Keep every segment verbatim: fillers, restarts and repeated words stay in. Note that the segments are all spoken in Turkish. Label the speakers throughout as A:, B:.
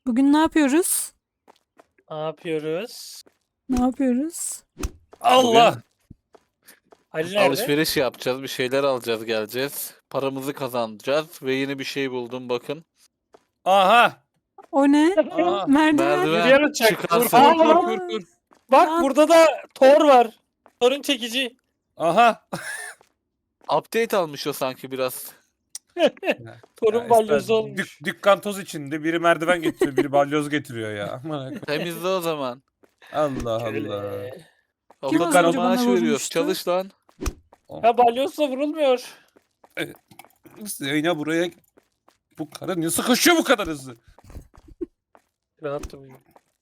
A: Bugün ne yapıyoruz?
B: Ne yapıyoruz?
A: Ne yapıyoruz?
B: Allah!
C: Bugün
B: Ali nerede?
C: alışveriş yapacağız, bir şeyler alacağız, geleceğiz. Paramızı kazanacağız ve yeni bir şey buldum bakın.
B: Aha!
A: O ne?
B: Aha!
A: Merdiven.
C: Merdiven
B: Yürüyen uçak. Dur,
C: çıkarsın.
B: aa!
A: Aa,
B: Kur, kur, kur. Bak
A: Lan.
B: burada da Thor var. Thor'un çekici.
D: Aha.
C: Update almış o sanki biraz.
B: Thor'un
D: Ya
B: balyozu
D: ister-
B: olmuş.
D: Dük, dükkan toz içinde biri merdiven getiriyor, biri balyoz getiriyor ya. Aman akıllı.
C: Temizle o zaman.
D: Allah
B: Şöyle.
D: Allah.
A: Kim az
C: Okuldan
A: önce
C: maaş
A: bana
C: veriyoruz.
A: vurmuştu?
C: Çalış lan.
B: Ya balyozla vurulmuyor.
D: Zeynep buraya bu karı niye sıkışıyor bu kadar hızlı?
B: Rahat durmayın.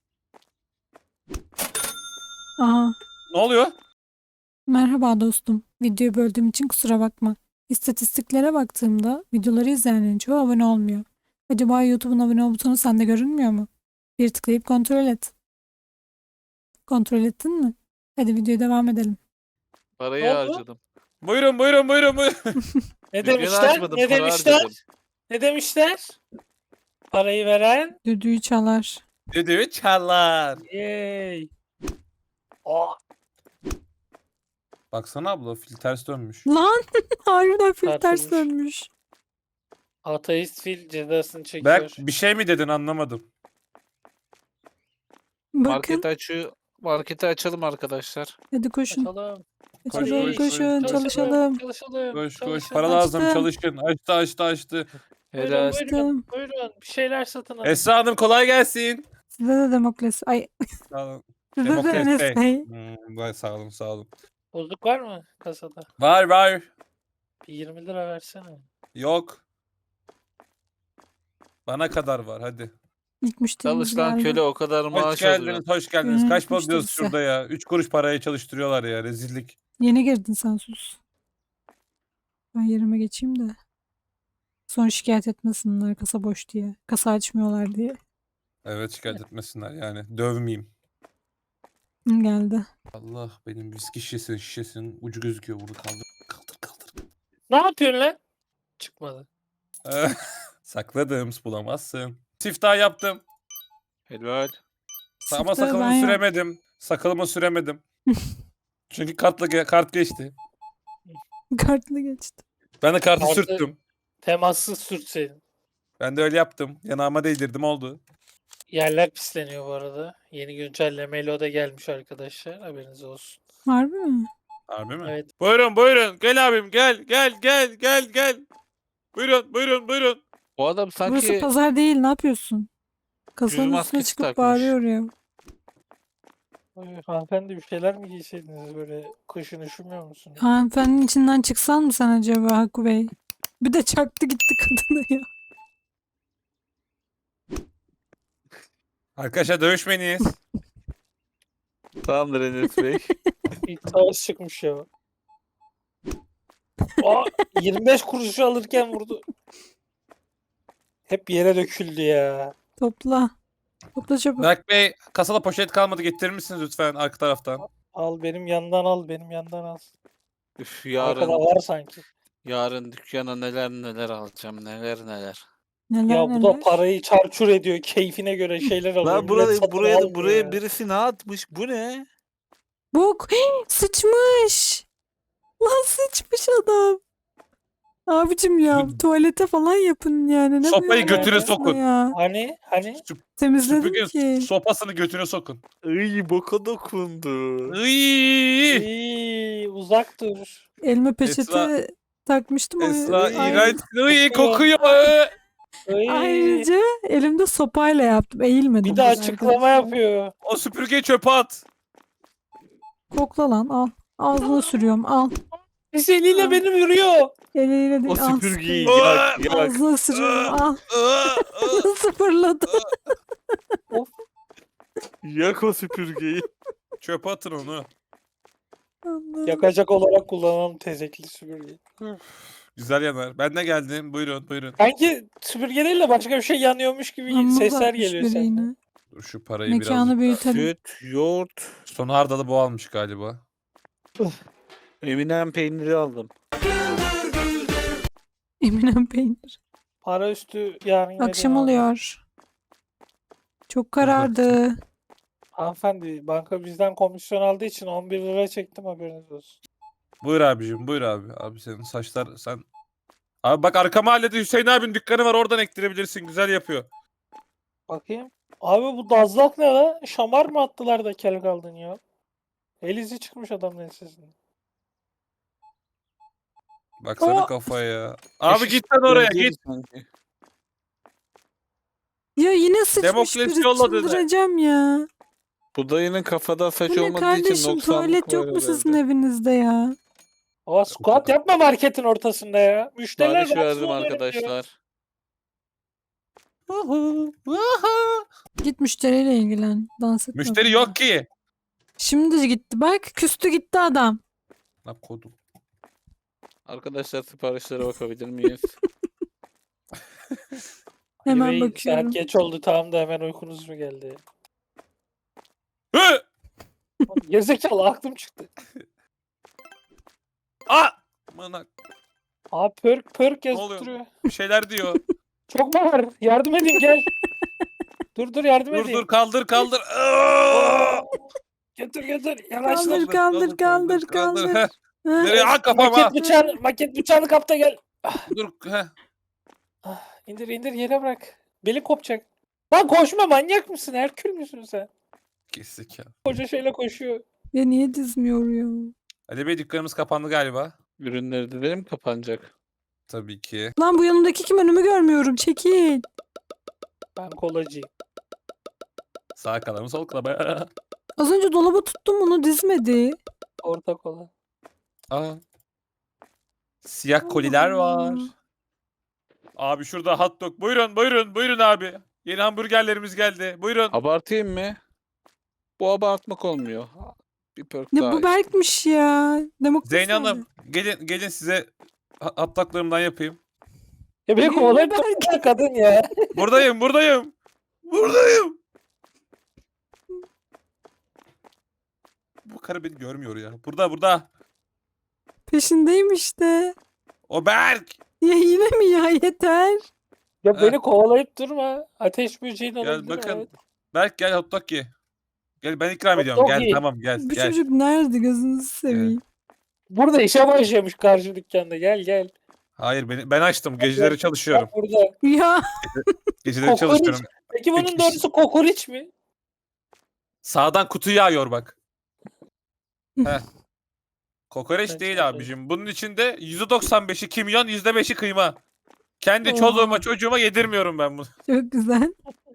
A: Aha.
D: Ne oluyor?
A: Merhaba dostum. Videoyu böldüğüm için kusura bakma. İstatistiklere baktığımda videoları izleyenlerin çoğu abone olmuyor. Acaba YouTube'un abone ol butonu sende görünmüyor mu? Bir tıklayıp kontrol et. Kontrol ettin mi? Hadi videoya devam edelim.
C: Parayı
B: Ne oldu?
C: harcadım.
D: Buyurun buyurun buyurun buyurun.
B: Ne
C: Dükkanı
B: demişler?
C: açmadım,
B: Ne
C: para
B: demişler?
C: harcadım.
B: Ne demişler? Parayı veren.
A: Düdüğü çalar.
D: Düdüğü çalar.
B: Yey. Aa,
D: Baksana abla fil ters dönmüş.
A: Lan! Harbiden fil ters
B: Tartılmış.
A: dönmüş.
B: ateist fil cezasını çekiyor.
D: Berk bir şey mi dedin anlamadım.
A: Bakın.
C: Market açıyor. Marketi açalım arkadaşlar.
A: Hadi koşun.
B: Açalım.
A: Açalım,
D: koş,
A: koşun,
D: koş.
A: çalışalım.
B: Çalışalım.
D: Koş koş
B: çalışalım.
D: para lazım
A: Açtım.
D: çalışın. Açtı açtı açtı.
B: Buyurun,
C: Helal.
B: buyurun,
A: Açtım.
B: buyurun. Bir şeyler satın alın.
D: Esra Hanım kolay gelsin.
A: Size de Demokles. Ay,
D: Sağ olun.
A: size de
D: Demokrasi.
A: Enes Bey.
D: Hmm, vay, sağ olun sağ olun.
B: Bozuk var mı kasada?
D: Var var.
B: Bir yirmi lira versene.
D: Yok. Bana kadar var hadi.
A: İlk müşterimiz
C: Çalış lan
A: geldi.
C: köle, o kadar
D: Hoş
C: maaş alıyor.
D: geldiniz, hoş geldiniz.
A: Günün
D: Kaç
A: ilk
D: para diyoruz
A: müşterisi.
D: şurada ya? Üç kuruş paraya çalıştırıyorlar ya, rezillik.
A: Yeni girdin sen, sus. Ben yerime geçeyim de. Sonra şikayet etmesinler kasa boş diye. Kasa açmıyorlar diye.
D: Evet, şikayet etmesinler yani. Dövmeyeyim.
A: Hı, geldi.
D: Allah, benim viski şişesinin şişesinin ucu gözüküyor burada. Kaldır kaldır kaldır.
B: Ne yapıyorsun lan? Çıkmadı.
D: Sakladım, bulamazsın. Siftah yaptım.
C: Helal.
D: Ama
A: Siftahı ben
D: sakalımı
A: yap-
D: süremedim. Sakalımı süremedim. Çünkü kartla ge- kart geçti.
A: Kartlı geçti.
D: Ben de kartı
B: Kartı-
D: sürttüm.
B: Temassız sürtseydin.
D: Ben de öyle yaptım. Yanağıma değdirdim, oldu.
B: Yerler pisleniyor bu arada. Yeni güncellemeyle o da gelmiş arkadaşlar. Haberiniz olsun.
A: Harbi mi?
D: Harbi mi?
B: Evet.
D: Buyurun buyurun. Gel abim gel gel gel gel gel. Buyurun buyurun buyurun.
C: Bu adam
A: Burası
C: sanki
A: pazar değil, ne yapıyorsun? Kasanın üstüne
C: maskesi
A: çıkıp
C: takmış.
A: bağırıyor ya.
B: Ay, hanımefendi bir şeyler mi giyseydiniz böyle kışın üşümüyor musunuz?
A: Hanımefendinin içinden çıksan mı sen acaba Hakkı Bey? Bir de çaktı gitti kadına ya.
D: Arkadaşlar dövüşmeyiniz.
C: tamamdır Enes Bey.
B: Bir savaş çıkmış ya. Aa, yirmi beş kuruşu alırken vurdu. Hep yere döküldü ya.
A: Topla. Topla çabuk.
D: Berk Bey, kasada poşet kalmadı, getirir misiniz lütfen arka taraftan?
B: Al benim yandan al, benim yandan al.
C: Üf,
B: Arkada
C: yarın
B: var sanki.
C: yarın dükkana neler neler alacağım, neler neler.
A: Neler
B: Ya bu
A: neler.
B: da parayı çarçur ediyor. Keyfine göre şeyler alıyor.
C: Lan
B: millet
C: buraya
B: satın
C: buraya
B: almıyor
C: buraya
B: ya.
C: birisi ne atmış? Bu ne?
A: Bok. Sıçmış. Lan sıçmış adam. Abicim ya
D: Sü-
A: tuvalete falan yapın yani. Ne
D: Sopayı
A: böyle
B: götüne
A: arasına
D: sokun.
A: Ya.
B: Hani hani
A: Temizledim
D: Süpürge
A: ki.
D: sopasını götüne sokun.
C: Iy, boka dokundu.
D: Iiii.
B: İyi, uzak dur.
A: Elime peçete
D: Esra-
A: takmıştım. o-
D: Esra
A: Ay-
D: iğrenç. Iy,
B: Kokuyor.
D: kokuyor.
B: Ay,
A: Ayrıca elimde sopayla yaptım. Eğilmedim.
B: bir de
A: bile
B: açıklama
A: arkadaşlar.
B: yapıyor.
D: O süpürgeyi çöpe at.
A: Kokla lan al. Ağzına sürüyorum al.
B: Pis eliyle beni vuruyor.
A: Eliyle değil
C: O
A: al.
C: süpürgeyi
A: sıkıyor.
C: yak yak.
A: Ağzına sürüyorum al.
D: Aa, aa.
A: Sıfırladı.
C: Yak o süpürgeyi.
D: Çöpe atın onu.
A: Allah'ım.
B: Yakacak olarak kullanalım tezekli süpürgeyi.
D: Güzel yanar. Ben de geldim. Buyurun buyurun.
B: Sanki süpürgeleriyle başka bir şey yanıyormuş gibi
A: Amma
B: sesler
A: uzatmış
B: geliyor
A: biri
B: senden.
A: yine.
D: Dur şu parayı
A: Mekanı
D: biraz.
A: büyütelim.
C: Süt, yoğurt,
D: Sonu hardalı bu almış galiba.
C: Eminem peyniri aldım.
A: Eminem peynir.
B: Para üstü yarın
A: Akşam
B: vereyim abi.
A: oluyor. Çok karardı.
B: Hanımefendi banka bizden komisyon aldığı için on bir lira çektim, haberiniz olsun.
D: Buyur abicim buyur abi. Abi senin saçlar sen... Abi bak arka mahallede Hüseyin abinin dükkanı var, oradan ektirebilirsin, güzel yapıyor.
B: Bakayım. Abi bu dazlak ne la? Şamar mı attılar da kel kaldın ya? El izi çıkmış adamın ensesinden.
D: Baksana
A: Aa!
D: kafaya ya. Abi
C: Eşit
D: git sen oraya
C: benziyor
D: git.
C: sanki.
A: Ya yine sıçmış
D: Demokrasi
A: biri,
D: yolladı.
A: çıldıracağım ya.
C: Bu dayının kafada saç
A: Bu ne
C: olmadığı için
A: kardeşim,
C: noksanlık
A: tuvalet
C: var
A: yok mu sizin
C: herhalde.
A: evinizde ya?
B: Aa, squat yapma marketin ortasında ya. Müşteriler
C: Sipariş
B: rahatsız
C: verdim
B: oluyor diyor.
C: arkadaşlar.
A: Git müşteriyle ilgilen. Dans etme
D: Müşteri
A: burada.
D: yok ki.
A: Şimdi gitti bak, küstü gitti adam.
D: Lan kodum.
C: Arkadaşlar siparişlere bakabilir miyiz?
A: Hemen
B: Ali Bey,
A: bakıyorum.
B: saat geç oldu, tamam da hemen uykunuz mu geldi?
D: Hı!
B: Gerizekalı, aklım çıktı.
D: Aa! Manak
B: Abi pörk pörk yazıp
D: oluyor?
B: duruyor.
D: bir şeyler diyor.
B: Çok mu var? Yardım edeyim, gel. Dur dur, yardım
D: Dur
B: edeyim.
D: dur kaldır kaldır. Aa!
B: Getir getir. Yavaşla.
A: Kaldır, kaldır, kaldır, kaldır.
D: Heh.
A: Ha?
D: Nereye? Ha kafama.
B: Maket bıçağını, maket bıçağını kap da gel.
D: Dur. Heh.
B: Ah, indir indir, yere bırak. Beli kopacak. Lan koşma, manyak mısın? Herkül müsün sen?
D: Kesik ya.
B: Koca şeyle koşuyor.
A: Ya niye dizmiyor ya?
D: Ali Bey dükkanımız kapandı galiba.
C: Ürünleri de benim kapanacak.
D: Tabii ki.
A: Lan bu yanımdaki kim, önümü görmüyorum. Çekil.
B: Ben kolacıyım.
D: Sağ kanalımı sol kanalımı.
A: Az önce dolaba tuttum, onu dizmedi.
B: Orta kola.
D: Aa. Siyah koliler var.
A: Allah.
D: Abi şurada hot dog. Buyurun buyurun buyurun abi. Yeni hamburgerlerimiz geldi. Buyurun.
C: Abartayım mı? Bu abartmak olmuyor. Bir perk
A: Ne
C: daha
A: bu
C: işte.
A: Berk'miş ya. Demokrasi
D: Zeynep
A: nerede?
D: Hanım gelin gelin size ha- hot doglarımdan yapayım.
B: Ya beni
A: Yürü
B: kovalayıp
A: Berk.
B: durma kadın ya.
D: Buradayım buradayım. Buradayım. Bu karı beni görmüyor ya. Burada burada.
A: Peşindeyim işte.
D: O Berk.
A: Ya yine mi ya, yeter.
B: Ya
D: Heh.
B: beni kovalayıp durma. Ateş böceğin
D: Gel
B: olabilir.
D: bakın.
B: Evet.
D: Berk gel hot dog ye. Gel ben ikram
B: Hot
D: ediyorum.
B: dog
D: Gel
B: ye.
D: tamam gel
A: Bu
D: gel.
A: çocuk nerede, gözünüzü seveyim.
B: Burada işe başlamış karşı dükkanda. Gel gel.
D: Hayır beni, ben açtım. Geceleri çalışıyorum.
B: Bak burada.
A: Ya
D: Geceleri
B: Kokoreç.
D: çalışıyorum.
B: Peki bunun
D: Peki.
B: doğrusu kokoreç mi?
D: Sağdan kutu yağıyor bak. Heh. Kokoreç
B: Evet,
D: değil
B: evet.
D: abicim. Bunun içinde yüzde doksan beşi kimyon, yüzde beşi kıyma. Kendi
A: Oha.
D: çoluğuma çocuğuma yedirmiyorum ben bunu.
A: çok güzel.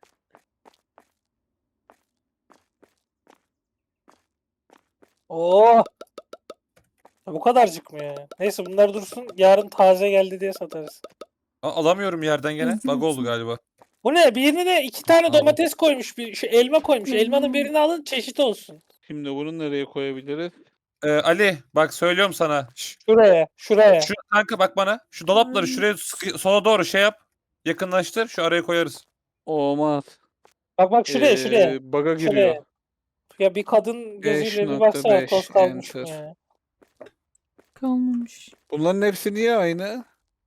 B: Oo. Ya bu kadarcık mı ya? Neyse bunlar dursun. Yarın taze geldi diye satarız.
D: Aa, alamıyorum yerden gene.
A: Rezil
D: Bug oldu
A: misin?
D: galiba.
B: Bu ne? Birine iki tane
D: Aldım.
B: domates koymuş. Bir şu elma koymuş. Elmanın
A: Hmm.
B: birini alın, çeşit olsun.
C: Şimdi bunu nereye koyabiliriz?
D: Ee, Ali bak söylüyorum sana. Şş,
B: Şuraya, şuraya.
D: şu kanka bak bana. Şu dolapları
A: Ay.
D: şuraya sıkı- sola doğru şey yap. Yakınlaştır. Şu araya koyarız.
C: Olmaz.
B: Bak bak şuraya, şuraya.
C: Ee, Bug'a
B: Şuraya.
C: giriyor.
B: Ya bir kadın gözüyle bir
C: beş
B: baksana,
C: nokta
B: toz
C: beş
B: kalmış mı
C: enter.
B: ya?
A: Kalmamış.
C: Bunların hepsi niye aynı?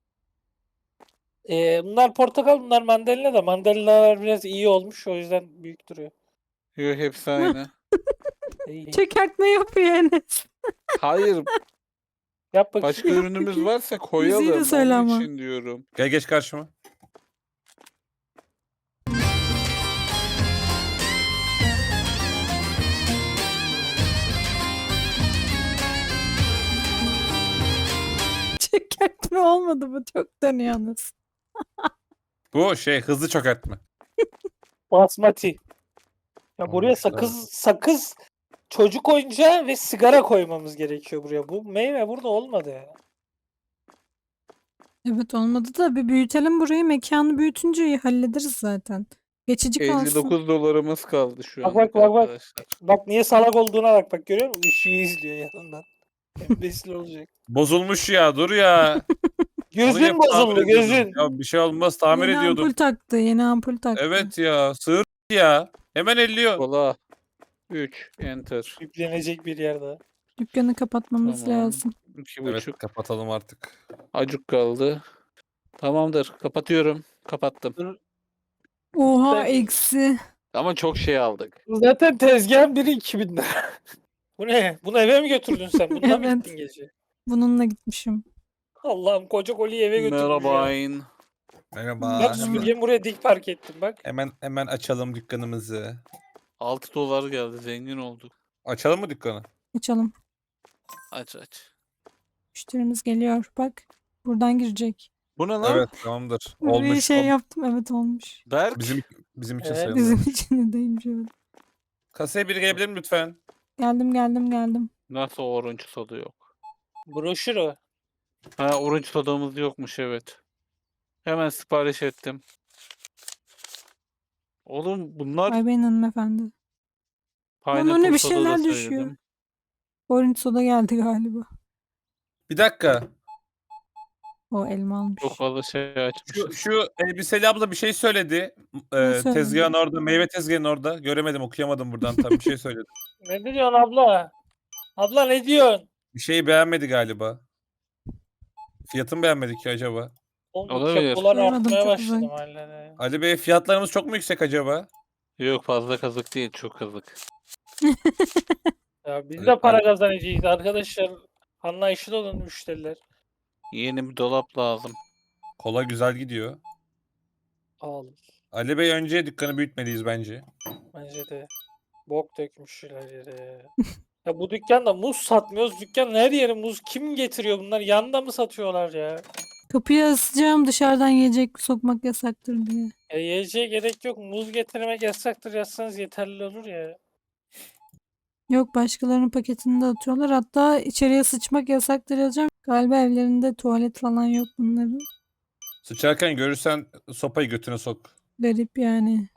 B: Ee, bunlar portakal, bunlar mandalina da. Mandalinalar biraz iyi olmuş, o yüzden büyük duruyor.
C: Yok hepsi aynı.
B: İyi.
A: Çökertme yapıyor Enes.
C: Hayır,
B: Yap bakayım.
C: başka ürünümüz varsa koyalım.
A: Müziği de söyle
C: Onun
A: ama.
C: için diyorum.
D: Gel geç karşıma.
A: Çökertme olmadı bu, çok dönüyorsunuz.
D: Bu şey hızlı çökertme.
B: Basmati. Ya buraya
D: Olmuş
B: sakız, sakız, çocuk oyuncağı ve sigara koymamız gerekiyor buraya. Bu meyve burada olmadı ya.
A: Evet, olmadı da bir büyütelim burayı, mekanı büyütünce hallederiz zaten. Geçici
C: elli
A: kalsın.
C: dokuz dolarımız kaldı şu
B: Bak,
C: an
B: bak, bak, bak.
C: arkadaşlar.
B: Bak niye salak olduğuna bak, bak görüyor musun? Işığı izliyor yanından. Embesil olacak.
D: Bozulmuş ya dur ya. Onu
B: Gözün
D: yapıp tamir
B: bozuldu,
D: ediyordum.
B: gözün.
D: Ya bir şey olmaz tamir
A: Yeni
D: ediyordum.
A: ampul taktı, yeni ampul taktı.
D: Evet ya sığır ya. Hemen elliyor.
C: Kola. üç enter.
B: Yüklenecek bir yerde.
A: Dükkanı kapatmamız
C: Tamam.
A: lazım.
C: iki
D: Evet
C: buçuk.
D: kapatalım artık.
C: Acık kaldı. Tamamdır. Kapatıyorum. Kapattım.
A: Oha,
B: Ben-
A: eksi.
C: Ama çok şey aldık.
B: Zaten tezgahın biri iki bin lira. Bu ne? Bunu eve mi götürdün sen? Bundan mı
A: Evet.
B: gittin gece?
A: Bununla gitmişim.
B: Allah'ım koca koliyi eve götürmüş ya.
C: Merhabayın.
D: Merhaba.
B: Bak
A: Merhaba.
B: süpürgemi buraya dik park ettim bak.
D: Hemen hemen açalım dükkanımızı.
C: altı dolar geldi. Zengin olduk.
D: Açalım mı dükkanı?
A: Açalım.
C: Aç aç.
A: Müşterimiz geliyor. Bak. Buradan girecek.
C: Bu ne lan?
D: Evet tamamdır.
A: Bir
D: Olmuş.
A: şey
D: Ol-
A: yaptım. Evet olmuş.
C: Berk.
D: Bizim bizim için
B: Evet.
D: sayılır.
A: Bizim için de değilmiş evet.
D: Kasaya biri gelebilir mi lütfen?
A: Geldim geldim geldim.
C: Nasıl orange soda yok?
B: Broşür o.
C: Ha orange sodamız yokmuş evet. Hemen sipariş ettim. Oğlum bunlar
A: Ay benim hanımefendi. Lan
C: pineapple
A: önüne bir
C: soda da
A: şeyler
C: söyledim.
A: düşüyor. Orange soda geldi galiba.
D: Bir dakika.
A: O elma almış.
C: Çok fazla şey
D: Şu,
C: açmışız.
D: şu elbiseli abla bir şey söyledi.
A: Ne
D: Ee,
A: söyledi?
D: tezgahın orada, meyve tezgahının orada. Göremedim, okuyamadım buradan tam bir şey söyledi.
B: Ne diyorsun abla? Abla ne diyorsun?
D: Bir şeyi beğenmedi galiba. Fiyatını beğenmedi ki acaba?
B: Oğlum bu
C: Olabilir.
B: kepolar
A: Duymadım,
B: artmaya
A: çok
B: başladı
A: uzak.
B: mahallede.
D: Ali Bey fiyatlarımız çok mu yüksek acaba?
C: Yok fazla kazık değil çok kazık.
B: Ya biz
D: Evet,
B: de para
D: ben-
B: kazanacağız arkadaşlar. Anlayışlı olun müşteriler.
C: Yeni bir dolap lazım.
D: Kola güzel gidiyor.
B: Al.
D: Ali Bey önce dükkanı büyütmeliyiz bence.
B: Bence de. Bok dökmüşler yere. Ya bu dükkanda muz satmıyoruz. Dükkanın her yeri muz. Kim getiriyor bunlar? Yanında mı satıyorlar ya?
A: Kapıyı asacağım dışarıdan yiyecek sokmak yasaktır diye.
B: Ya yiyeceğe gerek yok. Muz getirmek yasaktır yazsanız yeterli olur ya.
A: Yok başkalarının paketini de atıyorlar. Hatta içeriye sıçmak yasaktır yazacağım. Galiba evlerinde tuvalet falan yok bunların.
D: Sıçarken görürsen sopayı götüne sok.
A: Garip yani.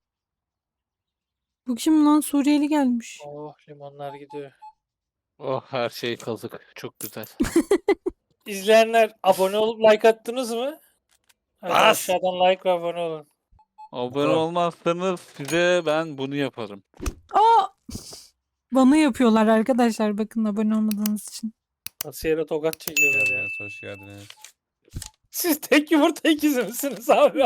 A: Bu kim lan? Suriyeli gelmiş.
B: Oh limonlar gidiyor.
C: Oh her şey kazık. Çok güzel.
B: İzleyenler abone olup like attınız mı? Hadi
D: Bas!
B: aşağıdan like ve abone olun.
C: Abone
D: Tamam.
C: olmazsanız size ben bunu yaparım.
A: Aa! Bana yapıyorlar arkadaşlar bakın abone olmadığınız için.
B: Nasıl yere tokat çekiyorlar ya.
D: Geldiniz, hoş geldiniz.
B: Siz tek yumurta ikizi misiniz abi?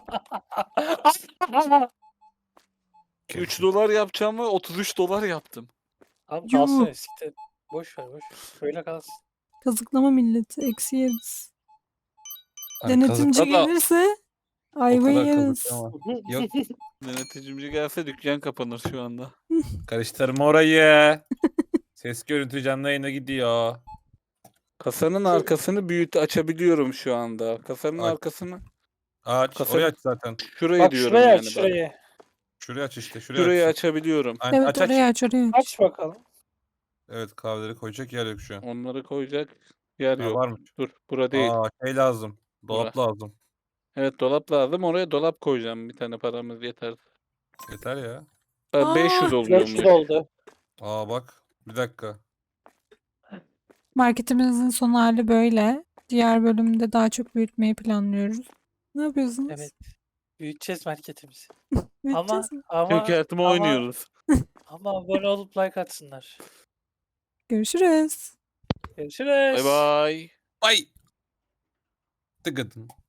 C: üç dolar yapacağım ve otuz üç dolar yaptım.
B: Tamam kalsın
A: Yuh.
B: eskiden. Boş ver boş ver. Şöyle kalsın.
A: Kazıklama milleti. Eksi yeriz.
D: Ay,
A: Denetimci
D: kazıkla da
A: gelirse
D: o
A: ayvayı
D: kadar
A: yeriz.
D: kazıklama. Yok,
C: Deneticimci gelse dükkan kapanır şu anda.
D: karıştırma orayı. Ses görüntü canlı yayına gidiyor.
C: Kasanın arkasını büyüt açabiliyorum şu anda. Kasanın
D: Aç.
C: arkasını
D: Aç,
C: Kasa-
D: orayı aç zaten.
C: şurayı
B: Bak
C: diyorum
B: şurayı
C: yani
B: aç
C: bak.
B: şurayı.
D: Şurayı aç işte, şurayı
C: Şurayı
D: aç.
C: açabiliyorum.
D: Aynen,
A: Evet
D: aç aç.
A: oraya aç oraya aç.
B: Aç bakalım.
D: Evet, kahveleri koyacak yer yok şu an.
C: Onları koyacak yer
D: Ha,
C: yok.
D: varmış.
C: Dur, bura değil.
D: Aa, şey lazım. Dolap lazım.
C: Evet dolap lazım. Oraya dolap koyacağım. Bir tane paramız yeter.
D: Yeter ya.
C: Ben
A: Aa!
C: beş yüz
B: dört yüz
C: oluyormuş.
B: oldu.
D: Aa bak. Bir dakika.
A: Marketimizin son hali böyle. Diğer bölümde daha çok büyütmeyi planlıyoruz. Ne yapıyorsunuz?
B: Evet. Büyüteceğiz marketimizi. Ama
A: Büyüteceğiz mi?
B: ama
C: Çökertme
B: ama,
C: oynuyoruz.
B: ama abone olup like atsınlar.
A: Görüşürüz.
B: Görüşürüz.
C: Bay bay.
D: Ay. Tıkıdım.